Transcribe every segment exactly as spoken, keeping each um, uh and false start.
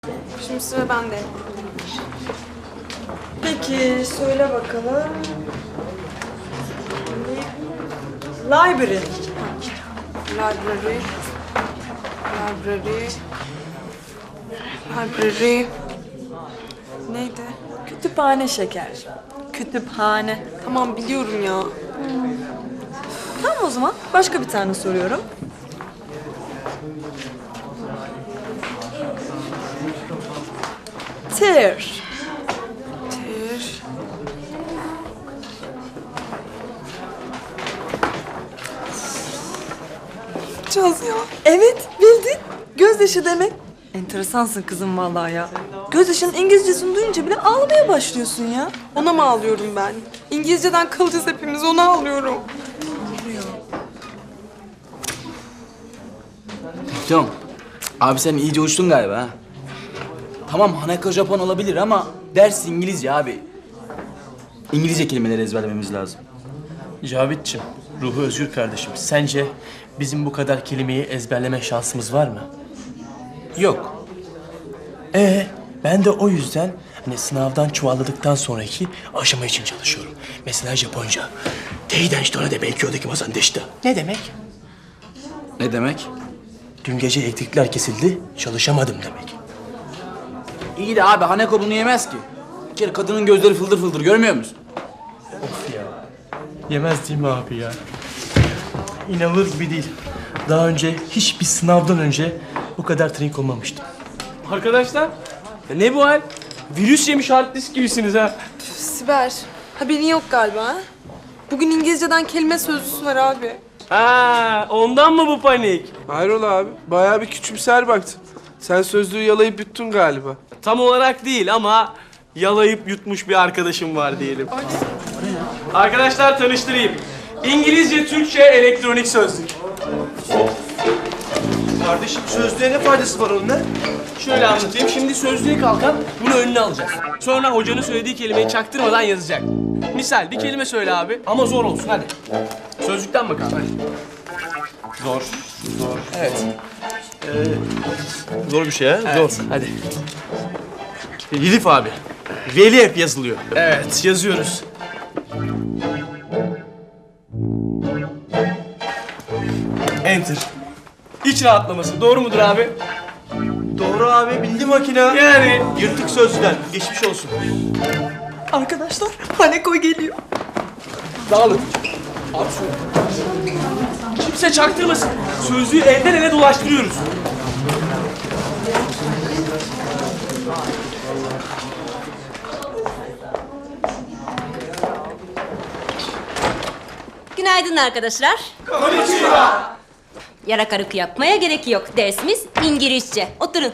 Şimdi sıra bende. Peki söyle bakalım. Library. Library. Library. Library. Neydi? Kütüphane şeker. Kütüphane. Tamam biliyorum ya. Tamam o zaman başka bir tane soruyorum. Tear. Tir. Çaz ya. Evet bildin. Gözyaşı demek. Enteresansın kızım vallahi ya. Gözyaşının İngilizcesini duyunca bile ağlamaya başlıyorsun ya. Ona mı ağlıyorum ben? İngilizceden kalacağız hepimiz, ona ağlıyorum. Tamam. Abi sen iyice uçtun galiba ha. Tamam Hanako Japon olabilir ama ders İngilizce abi. İngilizce kelimeleri ezberlememiz lazım. Cavitçim, ruhu özgür kardeşim. Sence bizim bu kadar kelimeyi ezberleme şansımız var mı? Yok. Ee, ben de o yüzden hani sınavdan çuvalladıktan sonraki aşama için çalışıyorum. Mesela Japonca. Teiden şitone de belki oradaki masan deşta. Ne demek? Ne demek? Dün gece elektrikler kesildi, çalışamadım demek. İyi de abi Hanako bunu yemez ki. Bir kere kadının gözleri fıldır fıldır görmüyor musun? Of ya. Yemez değil mi abi ya? İnanılır gibi değil. Daha önce hiçbir sınavdan önce bu kadar trink olmamıştım. Arkadaşlar, ya ne bu hal? Virüs yemiş hard disk gibisiniz ha. Siber, haberin yok galiba ha? Bugün İngilizceden kelime sözlüsü var abi. Ha, ondan mı bu panik? Hayrola abi? Bayağı bir küçümser baktın. Sen sözlüğü yalayıp yuttun galiba. Tam olarak değil ama yalayıp yutmuş bir arkadaşım var diyelim. Arkadaşlar tanıştırayım. İngilizce, Türkçe, elektronik sözlük. Kardeşim sözlüğe ne faydası var onun ne? Şöyle anlatayım. Şimdi sözlüğe kalkan bunu önüne alacak. Sonra hocanın söylediği kelimeyi çaktırmadan yazacak. Misal bir kelime söyle abi ama zor olsun hadi. Sözlükten bakalım hadi. Zor. Zor. Evet. Zor bir şey ha? Evet. Zor. Hadi. Elif abi. Veli hep yazılıyor. Evet, yazıyoruz. Enter. İç rahatlaması. Doğru mudur abi? Doğru abi bildi makine. Yani. Yırtık sözlüden. Geçmiş olsun. Arkadaşlar Haneko geliyor. Dağılın. Abi şöyle. Kimse çaktırmasın. Sözlüğü elden ele dolaştırıyoruz. Günaydın arkadaşlar. Konnichiwa. Yarakarık yapmaya gerek yok. Dersimiz İngilizce. Oturun.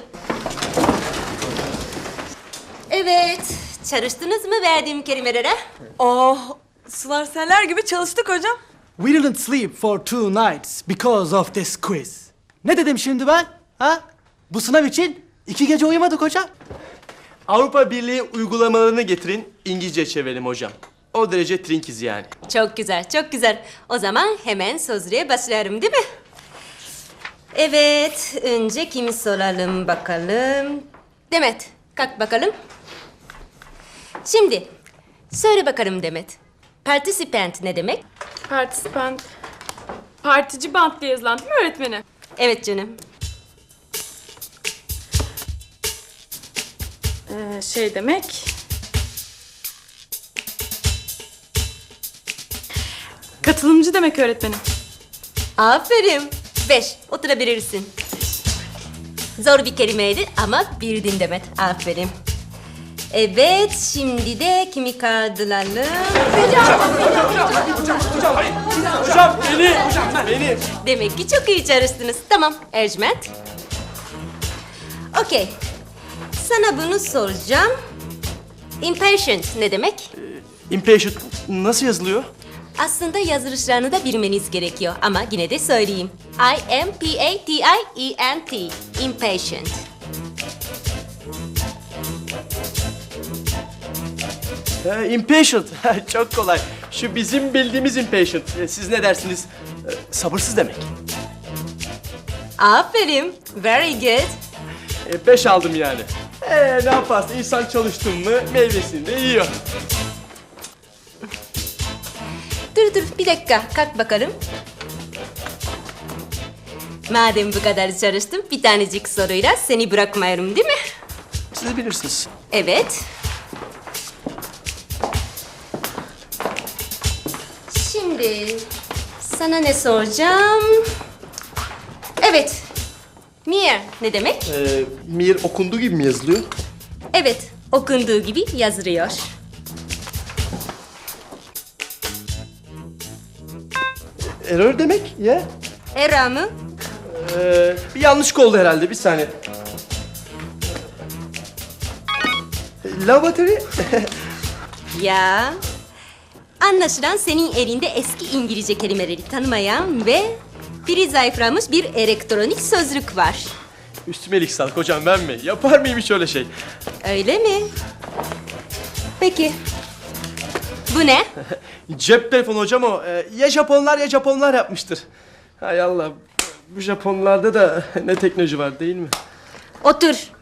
Evet. Çalıştınız mı verdiğim kelimelere? Oh, sular seller gibi çalıştık hocam. We didn't sleep for two nights because of this quiz. Ne dedim şimdi ben? Ha? Bu sınav için iki gece uyumadık hocam. Avrupa Birliği uygulamalarını getirin. İngilizce çevirelim hocam. O derece trinkiz yani. Çok güzel, çok güzel. O zaman hemen sözlüğe başlayalım değil mi? Evet, önce kimi soralım bakalım. Demet, kalk bakalım. Şimdi, söyle bakalım Demet. Participant ne demek? Partisipant. Partici bant diye yazılan değil mi öğretmenim? Evet canım. Ee, şey demek... Katılımcı demek öğretmenim. Aferin. Beş, oturabilirsin. Zor bir kelimeydi ama bildin Demet. Aferin. Evet, şimdi de kimi kaldıralım? Hocam beni. Hocam beni. Demek ki çok iyi çalıştınız. Tamam, Ercüment. Okey. Sana bunu soracağım. Impatient ne demek? Impatient nasıl yazılıyor? Aslında yazılışlarını da bilmeniz gerekiyor ama yine de söyleyeyim. I M P A T I E N T. Impatient. Ha, impatient. Çok kolay. Şu bizim bildiğimiz impatient. Ee, Siz ne dersiniz? Ee, Sabırsız demek. Aferin. Very good. Ee, Beş aldım yani. Ee, ne yaparsın? İnsan çalıştın mı meyvesini de yiyor. Dur dur bir dakika kalk bakalım. Madem bu kadar çalıştım bir tanecik soruyla seni bırakmıyorum değil mi? Siz bilirsiniz. Evet. Şimdi sana ne soracağım? Evet. Mir ne demek? Ee, Mir okunduğu gibi mi yazılıyor? Evet, okunduğu gibi yazılıyor. Error demek ya. Era mı? Ee, bir yanlışlık oldu herhalde. Bir saniye. Lavatory. Ya. Anlaşılan senin elinde eski İngilizce kelimeleri tanımayan ve biri zayıflamış bir elektronik sözlük var. Üstüme iyilik sağlık hocam, ben mi? Yapar mıyım hiç öyle şey? Öyle mi? Peki. Bu ne? Cep telefonu hocam o. Ee, ya Japonlar ya Japonlar yapmıştır. Hay Allah. Bu Japonlarda da ne teknoloji var değil mi? Otur.